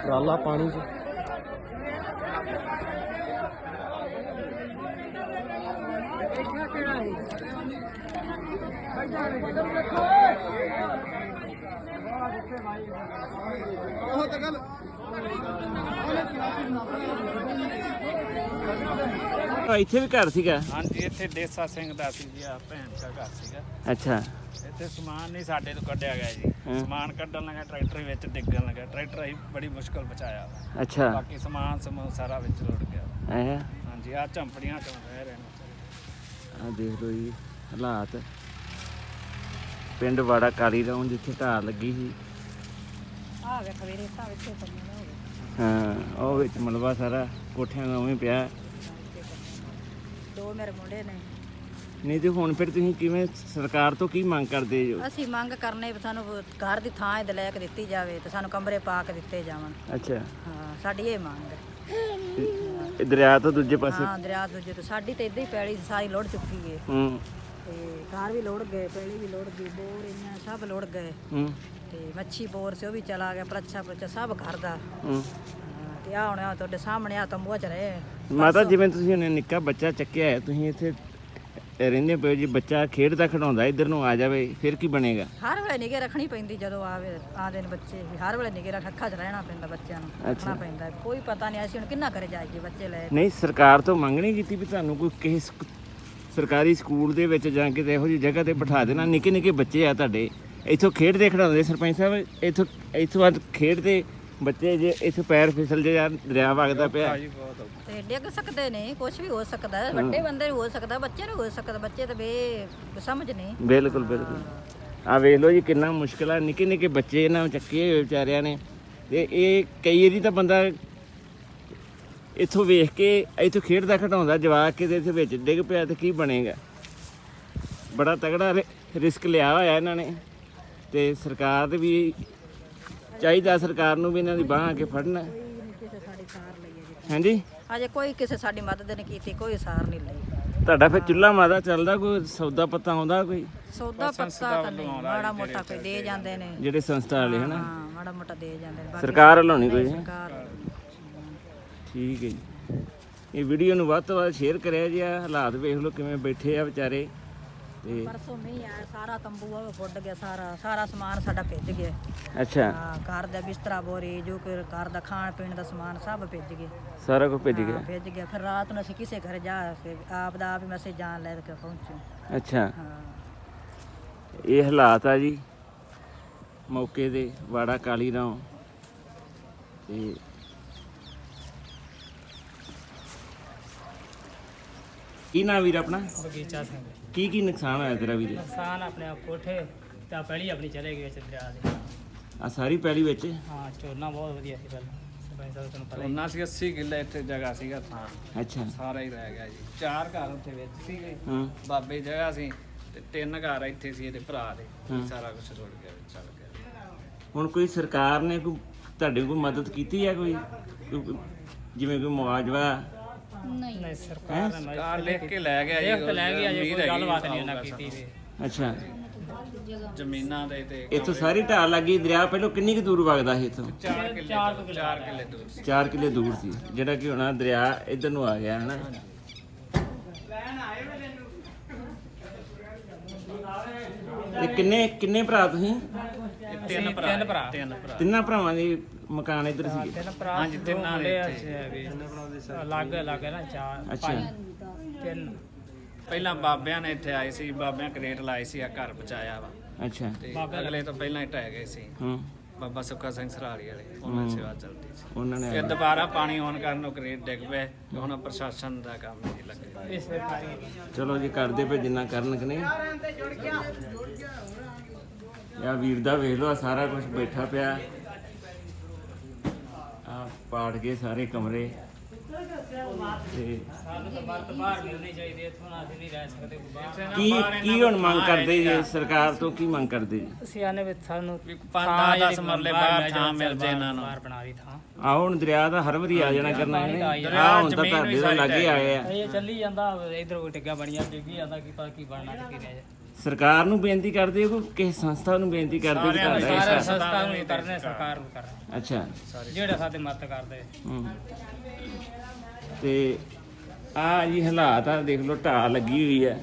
ਟਰਾਲਾ ਪਾਣੀ 'ਚ ਇੱਥੇ ਵੀ ਘਰ ਸੀਗਾ। ਹਾਂਜੀ ਇੱਥੇ ਦੇਸਾ ਸਿੰਘ ਦਾ ਸੀ ਜੀ, ਆ ਭੈਣ ਦਾ ਘਰ ਸੀਗਾ। ਅੱਛਾ, ਇੱਥੇ ਸਮਾਨ ਨਹੀਂ ਸਾਡੇ ਤੋਂ ਕੱਢਿਆ ਗਿਆ ਜੀ। ਸਮਾਨ ਕੱਢਣ ਲੱਗਾ ਟਰੈਕਟਰ ਵਿੱਚ ਡਿੱਗਣ ਲੱਗਾ, ਟਰੈਕਟਰ ਅਸੀਂ ਬੜੀ ਮੁਸ਼ਕਲ ਬਚਾਇਆ। ਅੱਛਾ, ਬਾਕੀ ਸਮਾਨ ਸਮੂਨ ਸਾਰਾ ਵਿੱਚ ਰੁੜ ਗਿਆ। ਹਾਂਜੀ ਆ ਝੰਪੜੀਆਂ ਚੋਂ ਰਹਿ ਰਹੇ ਨੇ। ਆ ਦੇਖ ਲਓ ਜੀ ਹਾਲਾਤ ਪਿੰਡ ਵਾੜਾ ਕਾਲੀ ਰਾਉਂ ਜਿੱਥੇ ਢਾਹ ਲੱਗੀ ਸੀ। ਆ ਵੇਖ ਵੀਰੇ ਤਾਂ ਵਿੱਚੇ ਪੰਨਾ ਹੋ ਗਿਆ। ਹਾਂ, ਉਹ ਵਿੱਚ ਮਲਬਾ ਸਾਰਾ ਕੋਠਿਆਂ ਦਾ ਉਵੇਂ ਪਿਆ। ਦੋ ਮੇਰੇ ਮੁੰਡੇ ਨੇ। ਨਹੀਂ ਤੇ ਹੁਣ ਫਿਰ ਤੁਸੀਂ ਕਿਵੇਂ ਸਰਕਾਰ ਤੋਂ ਕੀ ਮੰਗ ਕਰਦੇ ਜੋ? ਅਸੀਂ ਮੰਗ ਕਰਨੇ ਵੀ ਸਾਨੂੰ ਘਰ ਦੀ ਥਾਂ ਇਹਦੇ ਲੈ ਕੇ ਦਿੱਤੀ ਜਾਵੇ ਤੇ ਸਾਨੂੰ ਕਮਰੇ ਪਾ ਕੇ ਦਿੱਤੇ ਜਾਵਣ। ਅੱਛਾ, ਹਾਂ ਸਾਡੀ ਇਹ ਮੰਗ ਹੈ। ਇਹ ਦਰਿਆ ਤੋਂ ਦੂਜੇ ਪਾਸੇ। ਹਾਂ ਦਰਿਆ ਦੂਜੇ ਤੋਂ ਸਾਡੀ ਤੇ ਇੱਦਾਂ ਹੀ ਪੈਲੀ ਸਾਰੀ ਲੋੜ ਚੁੱਕੀ ਹੈ। ਤੇ ਘਰ ਵੀ ਲੋੜ ਗਏ, ਪੈਲੀ ਵੀ ਲੋੜ ਗਈ, ਬੋਰ ਇਹਨਾਂ ਸਭ ਲੋੜ ਗਏ। ਤੇ ਮੱਛੀ ਬੋਰ ਸੀ ਉਹ ਵੀ ਚਲਾ ਗਿਆ, ਪਰਛਾ ਪੁਰਛਾ ਸਭ ਘਰ ਦਾ। ਤੇ ਆ ਹੁਣ ਤੁਹਾਡੇ ਸਾਹਮਣੇ ਆ ਤੰਬੂਆ ਚ ਰਹੇ। ਮਾਤਾ ਜਿਵੇਂ ਤੁਸੀਂ ਉਹਨੇ ਨਿੱਕਾ ਬੱਚਾ ਚੱਕਿਆ ਹੈ, ਤੁਸੀਂ ਇੱਥੇ ਰਹਿੰਦੇ ਪਏ ਜੀ, ਬੱਚਾ ਖੇਡਦਾ ਖਿਡਾਉਂਦਾ ਇੱਧਰ ਨੂੰ ਆ ਜਾਵੇ ਫਿਰ ਕੀ ਬਣੇਗਾ? ਹਰ ਵੇਲੇ ਨਿਗੇ ਰੱਖਣੀ ਪੈਂਦੀ ਜਦੋਂ ਆਦੇ ਨੇ ਬੱਚੇ, ਹਰ ਵੇਲੇ ਨਿਗੇ ਅੱਖਾਂ 'ਚ ਰਹਿਣਾ ਪੈਂਦਾ ਬੱਚਿਆਂ ਨੂੰ, ਰੱਖਣਾ ਪੈਂਦਾ। ਕੋਈ ਪਤਾ ਨਹੀਂ ਅਸੀਂ ਹੁਣ ਕਿੰਨਾ ਕਰੇ ਜਾਈਏ ਬੱਚੇ ਲੈ। ਨਹੀਂ ਸਰਕਾਰ ਤੋਂ ਮੰਗ ਨਹੀਂ ਕੀਤੀ ਵੀ ਤੁਹਾਨੂੰ ਕੋਈ ਕਿਸੇ ਸਰਕਾਰੀ ਸਕੂਲ ਦੇ ਵਿੱਚ ਜਾਂ ਕਿਤੇ ਇਹੋ ਜਿਹੀ ਜਗ੍ਹਾ ਤੇ ਬਿਠਾ ਦੇਣਾ? ਨਿੱਕੇ ਨਿੱਕੇ ਬੱਚੇ ਆ ਤੁਹਾਡੇ, ਇੱਥੋਂ ਖੇਡਦੇ ਖਿਡਾਉਂਦੇ ਸਰਪੰਚ ਸਾਹਿਬ, ਇੱਥੋਂ ਬਾਅਦ ਖੇਡਦੇ ਬੱਚੇ ਜੇ ਇੱਥੇ ਪੈਰ ਫਿਸਲ ਜੇ ਯਾਰ ਦਰਿਆ ਵਗਦਾ ਪਿਆ ਤੇ ਡਿੱਗ ਸਕਦੇ ਨੇ, ਕੁਝ ਵੀ ਹੋ ਸਕਦਾ, ਵੱਡੇ ਬੰਦੇ ਨੂੰ ਹੋ ਸਕਦਾ, ਬੱਚੇ ਨੂੰ ਹੋ ਸਕਦਾ। ਬੱਚੇ ਤਾਂ ਸਮਝ ਨਹੀਂ। ਬਿਲਕੁਲ ਬਿਲਕੁਲ। ਆ ਵੇਖ ਲਓ ਜੀ ਕਿੰਨਾ ਮੁਸ਼ਕਿਲ ਆ, ਨਿੱਕੇ ਨਿੱਕੇ ਬੱਚੇ ਇਹਨਾਂ ਨੂੰ ਚੱਕੇ ਹੋਏ ਵਿਚਾਰਿਆਂ ਨੇ। ਤੇ ਇਹ ਕਈ ਵਾਰੀ ਤਾਂ ਬੰਦਾ ਇੱਥੋਂ ਵੇਖ ਕੇ ਇੱਥੋਂ ਖੇਡਦਾ ਖਿਡਾਉਂਦਾ ਜਵਾਕ ਕੇ ਇੱਥੇ ਵਿੱਚ ਡਿੱਗ ਪਿਆ ਤੇ ਕੀ ਬਣੇਗਾ? ਬੜਾ ਤਗੜਾ ਰਿਸਕ ਲਿਆ ਹੋਇਆ ਇਹਨਾਂ ਨੇ। ਤੇ ਸਰਕਾਰ ਦੇ ਵੀ ਚਾਹੀਦਾ, ਸਰਕਾਰ ਨੂੰ ਵੀ ਇਹਨਾਂ ਦੀ ਬਾਂਹ ਆ ਕੇ ਫੜਨਾ। ਹਾਂਜੀ, ਅਜੇ ਕੋਈ ਕਿਸੇ ਸਾਡੀ ਮਦਦ ਨਹੀਂ ਕੀਤੀ, ਕੋਈ ਸਾਰ ਨਹੀਂ ਲਈ। ਤੁਹਾਡਾ ਫਿਰ ਚੁੱਲ੍ਹਾ ਮਾਦਾ ਚੱਲਦਾ? ਕੋਈ ਸੌਦਾ ਪੱਤਾ ਆਉਂਦਾ? ਕੋਈ ਸੌਦਾ ਪੱਤਾ ਤਾਂ ਨਹੀਂ, ਮਾੜਾ ਮੋਟਾ ਕੋਈ ਦੇ ਜਾਂਦੇ ਨੇ ਜਿਹੜੇ ਸੰਸਥਾ ਵਾਲੇ ਹਨਾ? ਹਾਂ ਮਾੜਾ ਮੋਟਾ ਦੇ ਜਾਂਦੇ ਨੇ। ਸਰਕਾਰ ਵੱਲੋਂ ਨਹੀਂ ਕੋਈ? ਸਰਕਾਰ ਠੀਕ ਹੈ ਜੀ। ਇਹ ਵੀਡੀਓ ਨੂੰ ਵੱਧ ਤੋਂ ਵੱਧ ਸ਼ੇਅਰ ਕਰਿਆ ਜੀ। ਆ ਹਾਲਾਤ ਵੇਖ ਲਓ ਕਿਵੇਂ ਬੈਠੇ ਆ ਵਿਚਾਰੇ। ਤੇ ਪਰਸੋਂ ਮੀਂਹ ਆਇਆ, ਸਾਰਾ ਤੰਬੂ ਫੁੱਟ ਗਿਆ, ਸਾਰਾ ਸਮਾਨ ਸਾਡਾ ਭਿੱਜ ਗਿਆ। ਅੱਛਾ, ਹਾਂ ਘਰ ਦਾ ਬਿਸਤਰਾ ਬੋਰੀ ਜੋ ਕਿ ਘਰ ਦਾ ਖਾਣ ਪੀਣ ਦਾ ਸਮਾਨ ਸਭ ਭਿੱਜ ਗਿਆ। ਸਾਰਾ ਕੁਝ ਭਿੱਜ ਗਿਆ? ਭਿੱਜ ਗਿਆ। ਫਿਰ ਰਾਤ ਨੂੰ ਅਸੀਂ ਕਿਸੇ ਘਰ ਜਾ ਕੇ ਆਪ ਦਾ ਆਪ ਹੀ ਮੈਸੇਜ ਜਾਣ ਲੈ ਕੇ ਪਹੁੰਚੇ। ਅੱਛਾ, ਹਾਂ ਇਹ ਹਾਲਾਤ ਆ ਜੀ ਮੌਕੇ ਦੇ ਵਾੜਾ ਕਾਲੀ ਰਾਉਂ। ਤੇ ਕੀ ਨਾਂ ਵੀਰ ਆਪਣਾ? ਬਗੀਚਾ ਸਿੰਘ। ਕੀ ਨੁਕਸਾਨ ਹੋਇਆ ਤੇਰਾ ਵੀਰ? ਨੁਕਸਾਨ ਆਪਣੇ ਕੋਠੇ ਤੇ ਪਹਿਲੀ ਆਪਣੀ ਚਲੇ ਗਈ ਵਿੱਚ ਦਰਿਆ ਦੇ। ਆ ਸਾਰੀ ਪੈਲੀ ਵਿੱਚ? ਹਾਂ ਝੋਨਾ ਬਹੁਤ ਵਧੀਆ ਸੀ ਪਹਿਲਾਂ, ਸਰਪੰਚ ਸਾਹਿਬ ਤੁਹਾਨੂੰ ਪਤਾ ਹੀ। ਉਹਨਾਂ ਸੀ 80 ਕਿੱਲੇ ਇੱਥੇ ਜਗ੍ਹਾ ਸੀਗਾ ਥਾਂ, ਅੱਛਾ, ਸਾਰਾ ਹੀ ਰਹਿ ਗਿਆ ਜੀ। 4 ਘਰ ਉੱਥੇ ਵਿੱਚ ਸੀਗੇ, ਹਾਂ, ਬਾਬੇ ਜਗ੍ਹਾ ਸੀ, ਤੇ 3 ਘਰ ਇੱਥੇ ਸੀ ਇਹਦੇ ਭਰਾ ਦੇ। ਸਾਰਾ ਕੁਝ ਰੁੜ ਗਿਆ, ਚੱਲ ਗਿਆ। ਹੁਣ ਕੋਈ ਸਰਕਾਰ ਨੇ ਕੋਈ ਤੁਹਾਡੀ ਕੋਈ ਮਦਦ ਕੀਤੀ ਹੈ? ਕੋਈ ਜਿਵੇਂ ਕੋਈ ਮੁਆਵਜ਼ਾ? ਨਹੀਂ ਸਰਕਾਰ ਨੇ ਕਾਰ ਲਿਖ ਕੇ ਲੈ ਗਿਆ ਜੀ, ਇਹ ਲੈ ਗਿਆ ਜੇ ਕੋਈ ਗੱਲਬਾਤ ਨਹੀਂ ਉਹਨਾਂ ਕੀਤੀ ਵੀ। ਅੱਛਾ, ਜ਼ਮੀਨਾਂ ਦੇ ਤੇ ਇੱਥੋਂ ਸਾਰੀ ਢਾਹ ਲੱਗੀ। ਦਰਿਆ ਪਹਿਲਾਂ ਕਿੰਨੀ ਕੁ ਦੂਰ ਵਗਦਾ ਸੀ ਇੱਥੋਂ? 4 ਕਿੱਲੇ ਦੂਰ ਸੀ। 4 ਕਿੱਲੇ ਦੂਰ ਸੀ, ਜਿਹੜਾ ਕਿ ਹੁਣ ਦਰਿਆ ਇੱਧਰ ਨੂੰ ਆ ਗਿਆ ਹੈ ਨਾ। ਇਹ ਕਿੰਨੇ ਭਰਾ ਤੁਸੀਂ? 3 ਭਰਾ। ਤਿੰਨਾਂ ਭਰਾਵਾਂ ਦੇ ਮਕਾਨ ਇੱਧਰ ਸੀਗੇ? ਤਿੰਨ ਭਰਾ। ਹਾਂਜੀ, ਤਿੰਨਾਂ ਦੇ ਲੱਗ ਨਾ 4 ਅੱਛਾ, 3। ਪਹਿਲਾਂ ਬਾਬਿਆਂ ਨੇ ਇੱਥੇ ਆਏ ਸੀ, ਬਾਬਿਆਂ ਕਰੇਟ ਲਾਏ ਸੀ, ਆ ਘਰ ਬਚਾਇਆ ਵਾ। ਅੱਛਾ, ਤੇ ਅਗਲੇ ਤੋਂ ਪਹਿਲਾਂ ਹੀ ਢਹਿ ਗਏ ਸੀ। ਹਾਂ, ਬਾਬਾ ਸੁੱਖਾ ਸਿੰਘ ਸਰਾਲੀ ਵਾਲੇ, ਉਹਨਾਂ ਦੀ ਸੇਵਾ ਚੱਲਦੀ ਸੀ। ਉਹਨਾਂ ਨੇ ਫਿਰ ਦੁਬਾਰਾ ਪਾਣੀ ਆਉਣ ਕਾਰਨ ਉਹ ਕਰੇਟ ਡਿੱਗ ਪਏ, ਤੇ ਹੁਣ ਪ੍ਰਸ਼ਾਸਨ ਦਾ ਕੰਮ ਨਹੀਂ ਲੱਗੇ। ਇਸ ਚਲੋ ਜੀ ਕਰਦੇ ਪਏ ਜਿੰਨਾ ਕਰਨ ਕਿ ਨਹੀਂ। ਯਾ ਵੀਰ ਦਾ ਵੇਖ ਲਓ, ਆਹ ਸਾਰਾ ਕੁਝ ਬੈਠਾ ਪਿਆ। ਆ ਪਾੜ ਗਏ ਸਾਰੇ ਕਮਰੇ। ਤੇ ਸਾਨੂੰ ਤਾਂ ਬਾਹਰ ਤੋਂ ਬਾਹਰ ਮਿਲਣੀ ਚਾਹੀਦੀ ਹੈ, ਇੱਥੋਂ ਨਾ ਅਸੀਂ ਨਹੀਂ ਰਹਿ ਸਕਦੇ ਬਾਹਰ। ਕੀ ਹੁਣ ਮੰਗ ਕਰਦੇ ਜੀ ਸਰਕਾਰ ਤੋਂ, ਕੀ ਮੰਗ ਕਰਦੇ ਜੀ? ਅਸੀਂ ਆਨੇ ਵਿੱਚ ਸਾਨੂੰ 5-10 ਮਰਲੇ ਬਾਹਰ ਥਾਂ ਮਿਲ ਜੇ ਇਹਨਾਂ ਨੂੰ। ਬਾਹਰ ਬਣਾ ਰਹੀ ਥਾਂ ਆਹ ਹੁਣ ਦਰਿਆ ਦਾ ਹਰ ਵਾਰੀ ਆ ਜਾਣਾ ਕਰਨਾ ਇਹਨੇ। ਆਹ ਹੁਣ ਤਾਂ ਤੁਹਾਡੇ ਤੋਂ ਲਾਗੇ ਆਏ ਆ। ਇਹ ਚੱਲੀ ਜਾਂਦਾ, ਇਧਰ ਕੋਈ ਟਿੱਗਾ ਬਣੀਆਂ ਡਿੱਗੀ ਜਾਂਦਾ, ਕੀ ਪਤਾ ਕੀ ਬਣਨਾ ਤੇ ਕੀ ਰਹਿ ਜਾ। ਸਰਕਾਰ ਨੂੰ ਬੇਨਤੀ ਕਰਦੇ ਹੋ ਕਿ ਕਿਸੇ ਸੰਸਥਾ ਨੂੰ ਬੇਨਤੀ ਕਰਦੇ ਹੋ ਕਿ ਤੁਹਾਡਾ ਇਹ ਸਾਰੇ ਸਾਥ? ਸੰਸਥਾ ਨੂੰ ਹੀ ਕਰਨੇ, ਸਰਕਾਰ ਨੂੰ ਕਰਨੇ, ਅੱਛਾ ਜਿਹੜੇ ਸਾਡੇ ਮਦਦ ਕਰਦੇ। ਹੂੰ। ਤੇ ਆ ਜੀ ਹਾਲਾਤ ਆ, ਦੇਖ ਲਓ ਢਾਹ ਲੱਗੀ ਹੋਈ ਹੈ,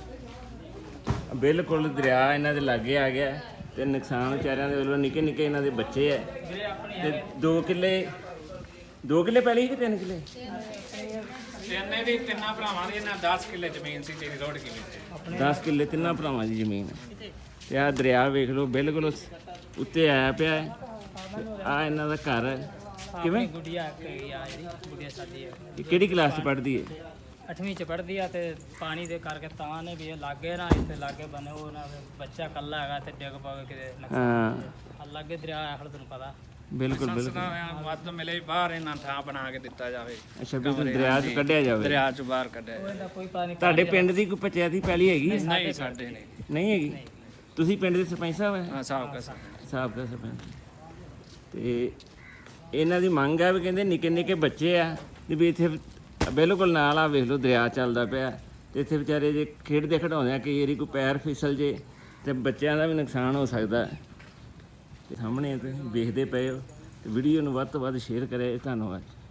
ਬਿਲਕੁਲ ਦਰਿਆ ਇਹਨਾਂ ਦੇ ਲਾਗੇ ਆ ਗਿਆ ਤੇ ਨੁਕਸਾਨ ਵਿਚਾਰਿਆਂ ਦੇ ਵੱਲੋਂ ਨਿੱਕੇ ਨਿੱਕੇ ਇਹਨਾਂ ਦੇ ਬੱਚੇ ਐ ਤੇ 2 ਕਿੱਲੇ ਪਹਿਲੇ ਕਿ 3 ਕਿੱਲੇ? ਤਿੰਨੇ ਦੀ ਤਿੰਨਾਂ ਭਰਾਵਾਂ ਦੀ ਇਹਨਾਂ 10 ਕਿੱਲੇ ਜ਼ਮੀਨ ਸੀ ਜਿਹੜੀ ਰੋਡ ਕਿਵੇਂ 10 ਕਿੱਲੇ ਤਿੰਨਾਂ ਭਰਾਵਾਂ ਦੀ ਜ਼ਮੀਨ ਹੈ ਤੇ ਆ ਦਰਿਆ ਵੇਖ ਲਓ ਬਿਲਕੁਲ ਉੱਤੇ ਆਇਆ ਪਿਆ ਹੈ। ਆ ਇਹਨਾਂ ਦਾ ਘਰ ਹੈ। ਕਿਵੇਂ? ਗੁੱਡੀਆ ਹੈਗੀ ਆ, ਜਿਹੜੀ ਗੁੱਡੀਆ ਸਾਡੀ ਹੈ, ਇਹ ਕਿਹੜੀ ਕਲਾਸ 'ਚ ਪੜ੍ਹਦੀ ਹੈ? 8ਵੀਂ ਚ ਪੜ੍ਹਦੀ ਆ ਤੇ ਪਾਣੀ ਦੇ ਕਰਕੇ ਤਾਂ ਨੇ ਵੀ ਇਹ ਲਾਗੇ ਨਾ, ਇੱਥੇ ਲਾਗੇ ਬਣੇ ਉਹ ਨਾ, ਬੱਚਾ ਕੱਲਾ ਹੈਗਾ ਤੇ ਡਿੱਗ ਪਵੇ ਕਿਤੇ ਹਾਂ ਲਾਗੇ ਦਰਿਆ ਹੈ, ਹੁਣ ਤੈਨੂੰ ਪਤਾ। ਬਿਲਕੁਲ ਬਿਲਕੁਲ। ਵੱਧ ਮਿਲੇ ਬਾਹਰ ਇਹਨਾਂ ਥਾਂ ਬਣਾ ਕੇ ਦਿੱਤਾ ਜਾਵੇ, ਅੱਛਾ ਵੀ ਦਰਿਆ 'ਚ ਕੱਢਿਆ ਜਾਵੇ। ਦਰਿਆ ਚੋਂ ਬਾਹਰ ਕੱਢਿਆ ਜਾਵੇ। ਇਹਦਾ ਕੋਈ ਪਤਾ ਨਹੀਂ। ਤੁਹਾਡੇ ਪਿੰਡ ਦੀ ਕੋਈ ਪੰਚਾਇਤੀ ਪੈਲੀ ਹੈਗੀ? ਨਹੀਂ ਸਾਡੇ ਨਹੀਂ। ਨਹੀਂ ਹੈਗੀ? ਤੁਸੀਂ ਪਿੰਡ ਦੇ ਸਰਪੰਚ ਸਾਹਿਬ ਹੈ? ਹਾਂ ਸਾਹਿਬ ਕਾ ਸਾਹਿਬ ਦਾ ਸਰਪੰਚ। ਤੇ ਇਹਨਾਂ ਦੀ ਮੰਗ ਆ ਵੀ ਕਹਿੰਦੇ ਨਿੱਕੇ ਨਿੱਕੇ ਬੱਚੇ ਆ ਤੇ ਵੀ ਇੱਥੇ ਬਿਲਕੁਲ ਨਾਲ ਆ, ਵੇਖ ਲਓ ਦਰਿਆ ਚੱਲਦਾ ਪਿਆ ਤੇ ਇੱਥੇ ਵਿਚਾਰੇ ਜੇ ਖੇਡਦੇ ਖਿਡਾਉਂਦੇ ਆ ਕਈ ਵਾਰੀ ਕੋਈ ਪੈਰ ਫਿਸਲ ਜੇ ਤੇ ਬੱਚਿਆਂ ਦਾ ਵੀ ਨੁਕਸਾਨ ਹੋ ਸਕਦਾ। ਤੇ ਸਾਹਮਣੇ ਤੁਸੀਂ ਵੇਖਦੇ ਪਏ ਹੋ ਤੇ ਵੀਡੀਓ ਨੂੰ ਵੱਧ ਤੋਂ ਵੱਧ ਸ਼ੇਅਰ ਕਰਿਆ। ਧੰਨਵਾਦ।